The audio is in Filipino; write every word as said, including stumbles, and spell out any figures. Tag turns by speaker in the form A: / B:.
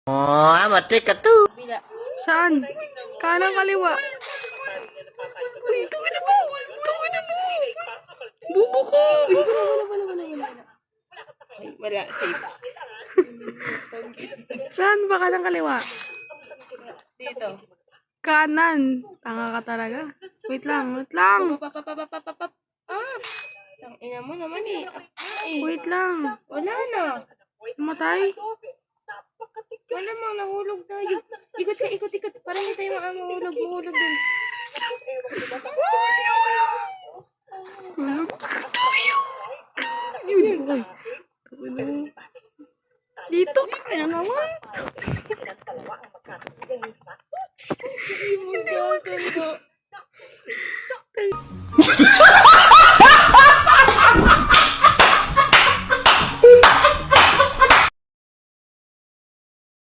A: Oh, mati ka to.
B: Saan? Kanan kaliwa. Uy, tuwin na mo! Tuwin na mo! Bubo ko! Uy, wala, wala, wala, wala, wala. Ay, wala, safe. Saan ba kanan kaliwa?
C: Dito.
B: Kanan. Tanga ka talaga. Wait lang, wait lang.
C: Papapapapapapap. Ah! Tangina mo naman eh. Ay,
B: Wait lang.
C: wala na.
B: Matay?
C: Wala mo, nahulog tayo. Ikot ka, ikot, ikot. Para hindi tayo maa- mahulog, mahulog din.
B: Yun, boy. Dito, kaya naman.